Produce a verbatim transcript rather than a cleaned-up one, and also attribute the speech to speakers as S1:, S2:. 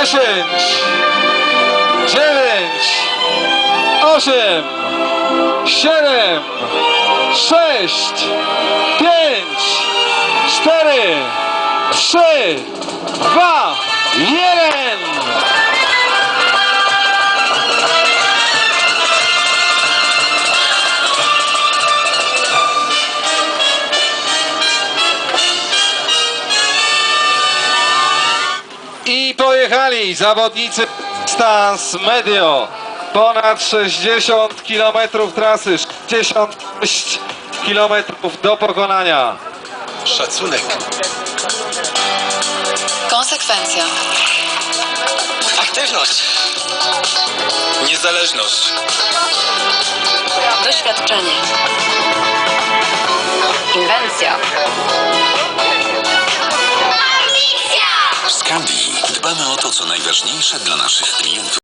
S1: dziesięć, dziewięć, osiem, siedem, sześć, pięć, cztery, trzy, dwa, jeden. I pojechali zawodnicy Stans Medio. Ponad sześćdziesiąt kilometrów trasy, sześćdziesiąt sześć kilometrów do pokonania.
S2: Szacunek.
S3: Konsekwencja.
S2: Aktywność. Niezależność.
S3: Doświadczenie. Inwencja.
S4: W Skandii dbamy o to, co najważniejsze dla naszych klientów.